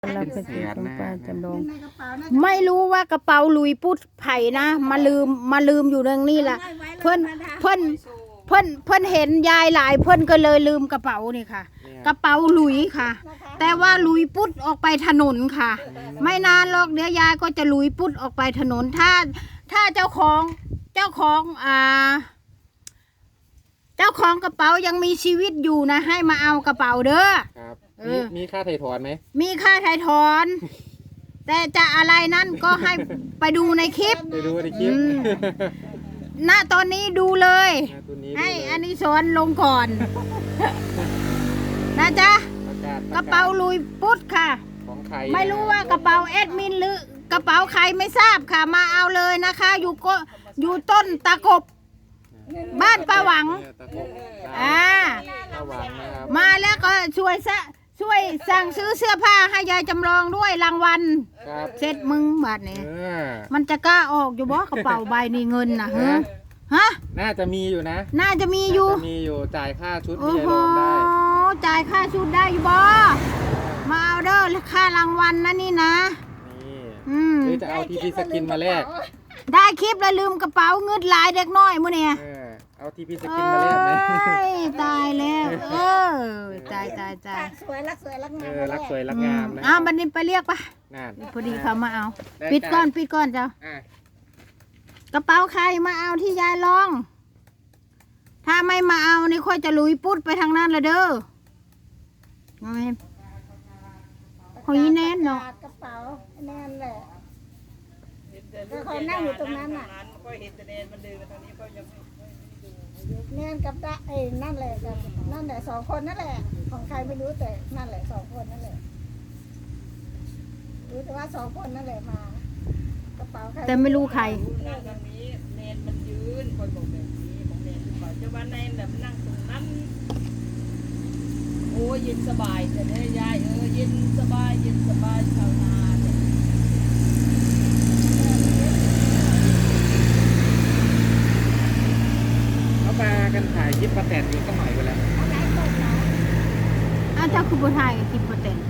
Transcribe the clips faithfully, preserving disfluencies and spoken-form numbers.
เราไปกินของป้าจำลองในกระเป๋าน่าไม่รู้ว่ากระเป๋าลุยปุดไผ่นะมาลืมมาลืมอยู่เรื่องนี้แหละเพิ่นเพิ่นเพิ่นเพิ่นเห็นยายหลายเพิ่นก็เลยลืมกระเป๋านี่ค่ะ กระเป๋าลุยค่ะ แต่ว่าลุยปุดออกไปถนนค่ะ ไม่นานหรอกเดี๋ยวยายก็จะลุยปุดออกไปถนนถ้าถ้าเจ้าของเจ้าของอ่า เจ้าของกระเป๋ายังมีชีวิตอยู่นะให้มาเอากระเป๋าเด้อครับเอมีอมีค่าไถ่ถอนไหมมีค่าถ่ายถอน แต่จะอะไรนั่นก็ให้ไปดูในคลิปไปดูในคลิปอืม ณตอนนี้ดูเลยนะตัวนี้ให้ดูเลยอันนี้สอนลงก่อน นะจ๊ะประกาศกระเป๋าลุยปุ๊ดค่ะของใครไม่รู้ว่ากระเป๋าแอดมินหรือกระเป๋าใครไม่ทราบค่ะ มาเอาเลยนะคะ อยู่ก็อยู่ต้นตะกบ บ้านป้าหวังเนี่ยตะกบอ่าป้าหวังนะครับมาแล้วก็ช่วยซะช่วยสั่งซื้อเสื้อผ้าให้ยายจำลองด้วยรางวัลครับเสร็จมึงบาทนี้เออมันจะกล้าออกอยู่บ่กระเป๋าใบนี้เงินนะฮะฮะน่าจะมีอยู่นะน่าจะมีอยู่น่าจะมีอยู่จ่ายค่าชุดโอ้ที่โหยายลองได้จ่ายค่าชุดได้อยู่บ่มาเอาเด้อค่ารางวัลนะนี่นะนี่อืมหรือจะเอาทีพีสกินมาแลกได้คลิปแล้วลืมกระเป๋าเงินหลายเด็กน้อยมื้อเนี่ยเออเอาทีพีสกินมาแลกไหมเอ้ยตายแล้วเออตายตายตายสวยรักสวยรักงาเอมอรักสวยรักอืงาม มนะอ้าวบัดนี้ไปเรียกปะนั่นพอดีเขามาเอาได้ปิดก่อนจ้ะปิดก่อนเจ้าอ่ะกระเป๋าใครมาเอาที่ยายลอง ถ้าไม่มาเอานี่ค่อยจะลุยปุ๊ดไปทางนั้นละเด้อเอาไหมของยีแน่นเนาะกระเป๋าแน่นแหละก็คอยนั่งอยู่ตรงนั้นน่ะก็เห็นแต่แดนมันเดินมาตอนนี้ก็ยังไม่แน่นกับดะเอ้ยนั่นแหละกับนั่นแหละสองคนนั่นแหละ ของใครไม่รู้แต่นั่นแหละสองคนนั่นแหละรู้แต่ว่าสองคนนั่นแหละมากระเป๋าใครแต่ไม่รู้ใครรู้นั่งตรงนี้แนนมันยืนคอยบอกแบบนี้ของแนนหรือเปล่าเจ้าว่าแนนแบบนั่งตรงนั้นโอ้ยเย็นสบายแต่เนี่ยยายเออเย็นสบายเย็นสบายชาวนาเนี่ยเขามากันถ่ายคลิปประแตนอยู่สักหน่อยไปแล้วอะไรตกเหรออ้าวเจ้าคือบัวไทยกับคลิปโปรเตน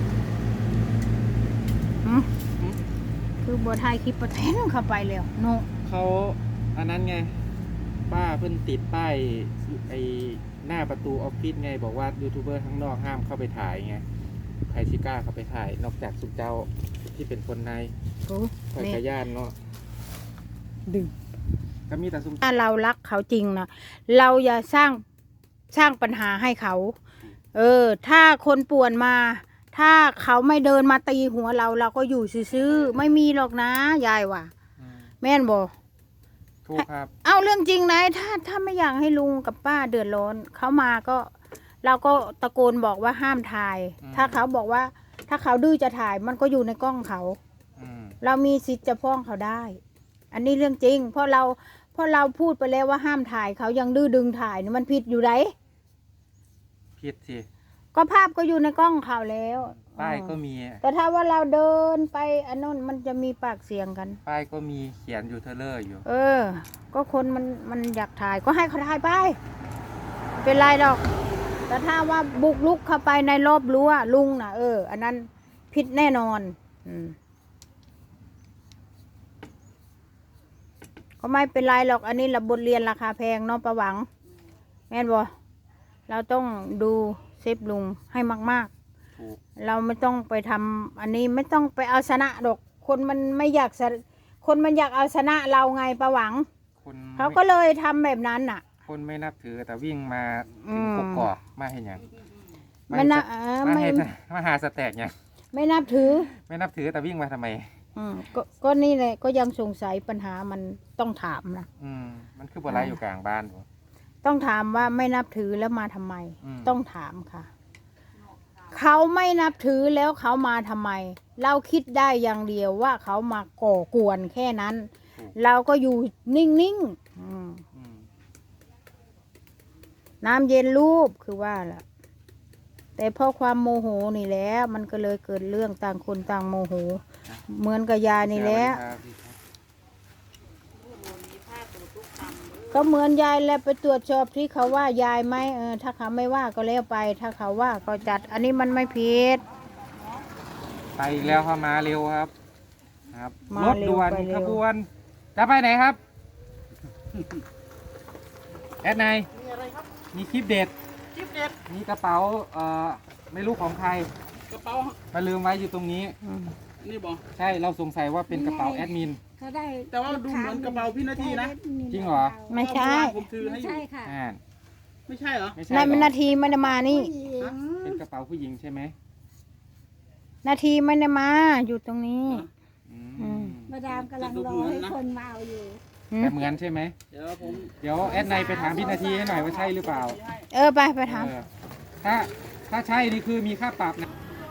หืมคือบัวไทยคลิปโปรเตนเข้าไปแล้วโนเขาอันนั้นไง ป้าเพิ่นติดป้ายไอหน้าประตูออฟฟิศไง บอกว่ายูทูบเบอร์ข้างนอกห้ามเข้าไปถ่ายไงใครชิกล้าเข้าไปถ่าย นอกจากสุเจ้าที่เป็นคนในโอ้คอยนี่ขย่านเนาะดึงก็มีแต่สุมถ้าเรารักเขาจริงนะเราอย่าสร้างสร้างปัญหาให้เขา เออ ถ้าคนป่วนมา ถ้าเขาไม่เดินมาตีหัวเรา เราก็อยู่ซื่อๆไม่มีหรอกนะยายว่ะอืมแม่นบอกถูกครับเอาเรื่องจริงนะถ้าถ้าไม่อยากให้ลุงกับป้าเดือดร้อนเขามาก็ เราก็ตะโกนบอกว่าห้ามถ่ายอืมถ้าเขาบอกว่า ถ้าเขาดื้อจะถ่ายมันก็อยู่ในกล้องเขาอืมเรามีสิทธิ์จะฟ้องเขาได้ อันนี้เรื่องจริง เพราะเราเพราะเราพูดไปแล้วว่าห้ามถ่ายเขายังดื้อดึงถ่ายนี่มันผิดอยู่ไหนผิดสิก็ภาพก็อยู่ในกล้องเขาแล้วป้ายก็อืมมีแต่ถ้าว่าเราเดินไปอันนั้นมันจะมีปากเสียงกันป้ายก็มีเขียนอยู่เทเลอร์อยู่เออ ก็คนมันมันอยากถ่ายก็ให้เขาถ่ายไปไม่เป็นไรหรอก แต่ถ้าว่าบุกลุกเข้าไปในรอบรั้วลุงน่ะเออ อันนั้นผิดแน่นอน อืมก็ไม่เป็นไรหรอก อันนี้ละบทเรียนราคาแพงเนาะประหวัง แม่นบ่เราต้องดูเซฟลุงให้มากถูกๆ เราไม่ต้องไปทำอันนี้ไม่ต้องไปเอาชนะดอก คนมันไม่อยากชนะคนมันอยากเอาชนะเราไงประหวังคนเขาก็เลยทำแบบนั้นน่ะคนไม่นับถือแต่วิ่งมาอืถึงมกกอกมาเห็นยังไม่นับเฮ็ดเออมาไม่เห็นมาหาสแต็กยังไม่นับถือไม่นับถือแต่วิ่งมาทำไมอืมก็ก็นี่แหละก็ยังสงสัยปัญหามันต้องถามนะอืมมันคือบ่ไรอยู่กลางบ้านบ่ต้องถามว่าไม่นับถือแล้วมาทำไมอืมต้องถามค่ะ เขาไม่นับถือแล้วเขามาทำไม เราคิดได้อย่างเดียวว่าเขามาก่อกวนแค่นั้น เราก็อยู่นิ่งๆอืมอืมน้ำเย็นรูปคือว่าล่ะ แต่เพราะความโมโหนี่แหละมันก็เลยเกิดเรื่องต่างคนต่างโมโห เหมือนกับยานี่แหละสวัสดีครับก็เหมือนยายแล้วไปตรวจสอบที่เขาว่ายายไหมเออถ้าเขาไม่ว่าก็แล้วไป ถ้าเขาว่าก็จัด อันนี้มันไม่ผิดไปอีกแล้วครับมาเร็วครับครับมารถเร็วด่วนไปเร็วขบวน จะไปไหนครับ แอดไนายมีอะไรครับมีคลิปเด็ดคลิปเด็ดมีกระเป๋าเอ่อไม่รู้ของใครกระเป๋ามาลืมไว้อยู่ตรงนี้อืมนี่บอกใช่เราสงสัยว่าเป็นกระเป๋าแอดมินเขาได้แต่ว่าดูเหมือนกระเป๋าพี่นาทีนะจริงเหรอไม่ใช่ผมถือให้ไม่อยู่ใช่ค่ะอ่าไม่ใช่เหรอไม่ใช่นายหรอนาทีไม่ได้มานี่ผู้หญิงเป็นกระเป๋าผู้หญิงใช่ไหมนาทีไม่ได้มาอยู่ตรงนี้อือืมมมาดามกำลังรอให้คนมาเอาอยู่อืมแต่เหมือนใช่ไหมเดี๋ยวผมเดี๋ยวแอดไนายไปถามพี่นาทีให้หน่อยว่าใช่หรือเปล่าเออไปไปถามเออถ้าถ้าใช่นี่คือมีค่าปรับนะ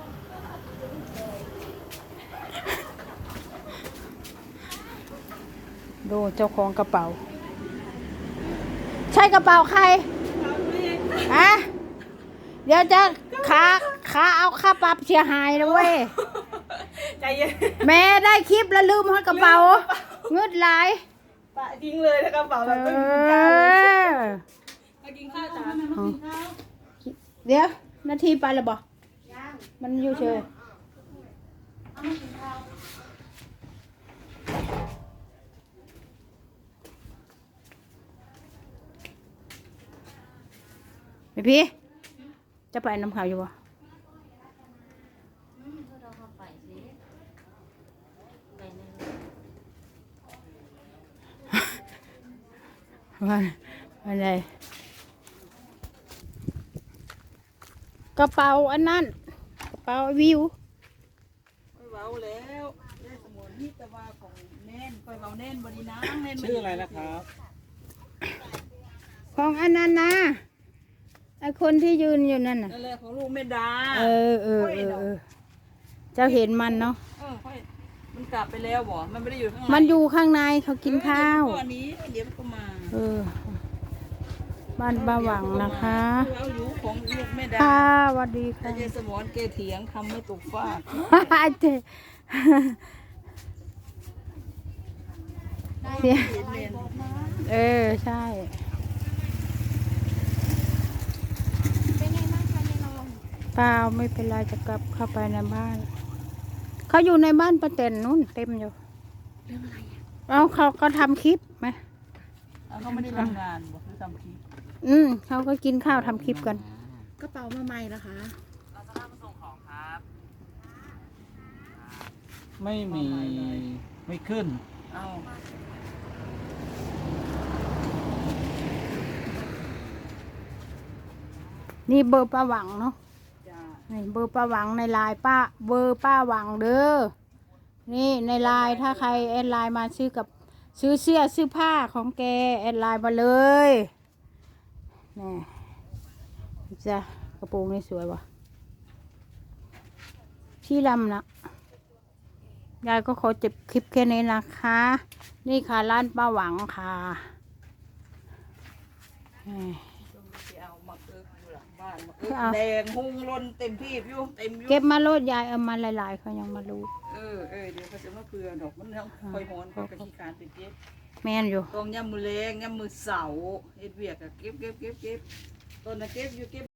ดูเจ้าของกระเป๋า ใช่กระเป๋าใครอะเดี๋ยวจะขาขาเอาค่าปรับเสียหายนะเว้ยใจเย็นแม่ได้คลิปแล้วลืมให้กระเป๋าเงืดหลายปะทิ้งเลยนะกระเป๋าเอแบบไม่มีกาวเลยอไปกินข้าวจ้าเดี๋ยวนาทีไปแล้วบอกมันอยู่เฉยพี่พี่จะไปน้ำขาวอยู่บ่ว่าอะไรกระเป๋าอันนั้นกระเป๋าวิวค่อยเว้าแล้วได้สมุนที่ตะวาของแน่นค่อยเว้าแน่นบริน้ำแน่นชื่ออะไรนะครับของอันนั้นนะไอคนที่ยืนอยู่นั่นน่ะนั่นแหละของลูกแม่ดาเออเออเออเออเจ้าเห็นมันเนาะเออค่อยมันกลับไปแล้วบ่มันไม่ได้อยู่ข้างในมันอยู่ข้างในเขากินข้าวเออเดี๋ยมันก็อันนี้เดี๋ยวมันก็มาเออ บ้านป้าหวังนะคะเอาอยู่ของลูกแม่ดาค่ะสวัสดีแต่ค่ะยายสมอนแกเถียงคำไม่ตกฟากเจ๊เสียเรียนเออ ใช่เป็นไงบ้างคะยายนองเปล่าไม่เป็นไรจะกลับเข้าไปในบ้าน เขาอยู่ในบ้านประเต็นนู่นเต็มอยู่เอาเขาก็ทำคลิปไหมเอาเขาไม่ได้ทำงานบอกคือทำคลิปอืมเขาก็กินข้าวทำคลิปกันกระเป๋ามาใหม่นะคะไม่มีไม่ขึ้นเอานี่เบอร์ป้าหวังเนาะจ้านี่เบอร์ป้าหวังในไลน์ป้า เบอร์ป้าหวังเด้อ นี่ในไลน์ถ้าใครแอดไลน์มาซื้อกับซื้อเสื้อซื้อผ้าของแกแอดไลน์มาเลยนี่จ้ะกระโปรงนี่สวยว่ะที่ลำนะยายก็ขอจบคลิปแค่นี้นะคะ นี่ค่ะร้านป้าหวังค่ะนี่ที่เอามาเอิกอยู่หลังบ้านมาเอิกแดงหุงลนเต็มที่อยู่เต็มอยู่เก็บมาโลดยายเอามาหลายๆเขายังมารู้เออเออเดี๋ยวเขาจะมาเกลือดอกมันยังคอยหอนเขากระที่การไปเก็บแม่นอยู่ตรงย่ำมือแรงย่ำมือเสาเฮ็ดเวียกอะเก็บเก็บเก็บเก็บต้นน่ะเก็บอยู่เก็บ